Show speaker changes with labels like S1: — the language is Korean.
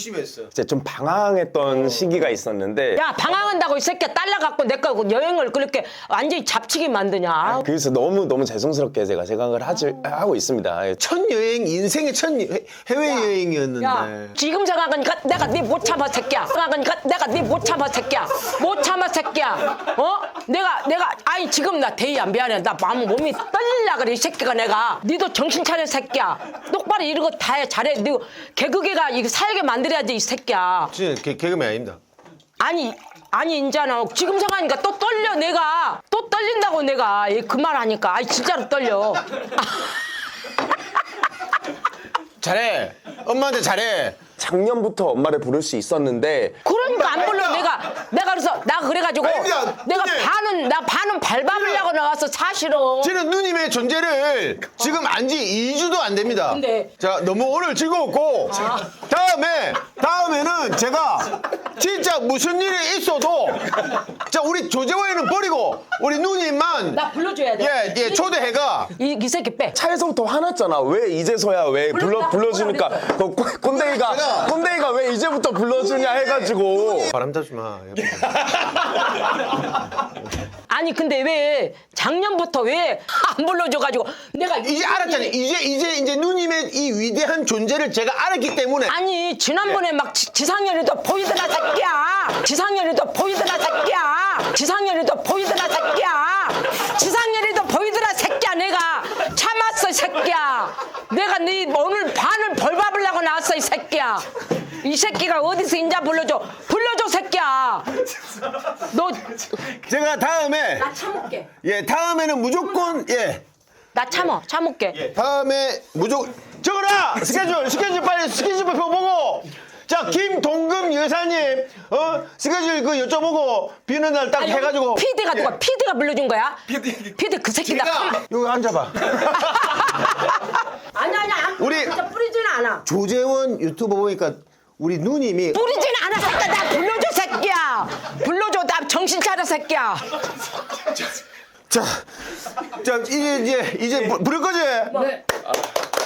S1: 심했어.
S2: 이제 좀 방황했던 시기가 있었는데
S3: 야 방황한다고 이 새끼야 딸려갖고 내거 여행을 그렇게 완전히 잡치게 만드냐.
S2: 그래서 너무 죄송스럽게 제가 생각을 하고 있습니다. 예.
S1: 첫 여행, 인생의 첫 해외 여행이었는데.
S3: 야 지금 생각하니까 내가 네 못 참아 새끼야. 생각하니까 내가 네 못 참아 새끼야. 못 참아 새끼야. 어? 내가 아니 지금 나 대의야 미안해. 나 마음 몸이 떨리려 그래 이 새끼가 내가. 니도 정신 차려 새끼야. 똑바로 이런 거 다 해 잘해. 너 개그계가 이거 살게 만들어야지 이 새끼야.
S1: 진짜 개그맨 아닙니다.
S3: 아니 인자는 지금 생각하니까 또 떨려 내가. 또 떨린다고 내가 그 말 하니까. 아이 진짜로 떨려.
S1: 잘해. 엄마한테 잘해.
S2: 작년부터 엄마를 부를 수 있었는데
S3: 그러니까 안 불러 내가 그래서 나 그래가지고
S1: 아닙니다.
S3: 내가
S1: 누님.
S3: 반은 밟아보려고 나왔어 사실은.
S1: 저는 누님의 존재를 지금 안지 2주도 안 됩니다.
S3: 근데-
S1: 자, 너무 오늘 즐거웠고 다음에는 제가 진짜 무슨 일이 있어도 자, 우리 조재호이는 버리고 우리 누님만
S3: 나 불러줘야 돼.
S1: 예, 초대해가
S3: 이 새끼 빼.
S2: 차에서부터 화났잖아. 왜 이제서야 왜 불러주니까 그 꼰대이가 왜 이제부터 불러주냐 해가지고
S1: 바람 타지 마.
S3: 아니 근데 왜 작년부터 왜 안 불러줘가지고 내가
S1: 이제 알았잖아요. 이제 누님의 이 위대한 존재를 제가 알았기 때문에
S3: 아니 지난번에 막 지상렬이도 보이더라 새끼야. 지상렬이도 보이더라 새끼야. 지상렬이도 보이더라 새끼야. 지상렬이도 보이더라 새끼야. 내가 참았어 새끼야. 내가 네 오늘 반을 벌 받으려고 나왔어 이 새끼야. 이 새끼가 어디서 인자 불러줘 새끼야. 너
S1: 제가 다음에
S3: 나 참을게.
S1: 예, 다음에는 무조건
S3: 나 참을게.
S1: 다음에 무조건 적어라 스케줄 빨리 스케줄표 보고 자 김동금 여사님 스케줄 그 여쭤보고 비는 날 딱 해가지고
S3: PD가 누가 PD가 불러준 거야? PD 그 새끼 나
S1: 여기 앉아봐.
S3: 아니야
S1: 우리-
S3: 진짜 뿌리지는 않아.
S1: 조재원 유튜브 보니까 우리 누님이
S3: 뿌리지는 않아 새끼야. 나 불러줘 새끼야. 불러줘 나 정신 차려 새끼야.
S1: 자 이제 부를 거지?
S3: 네.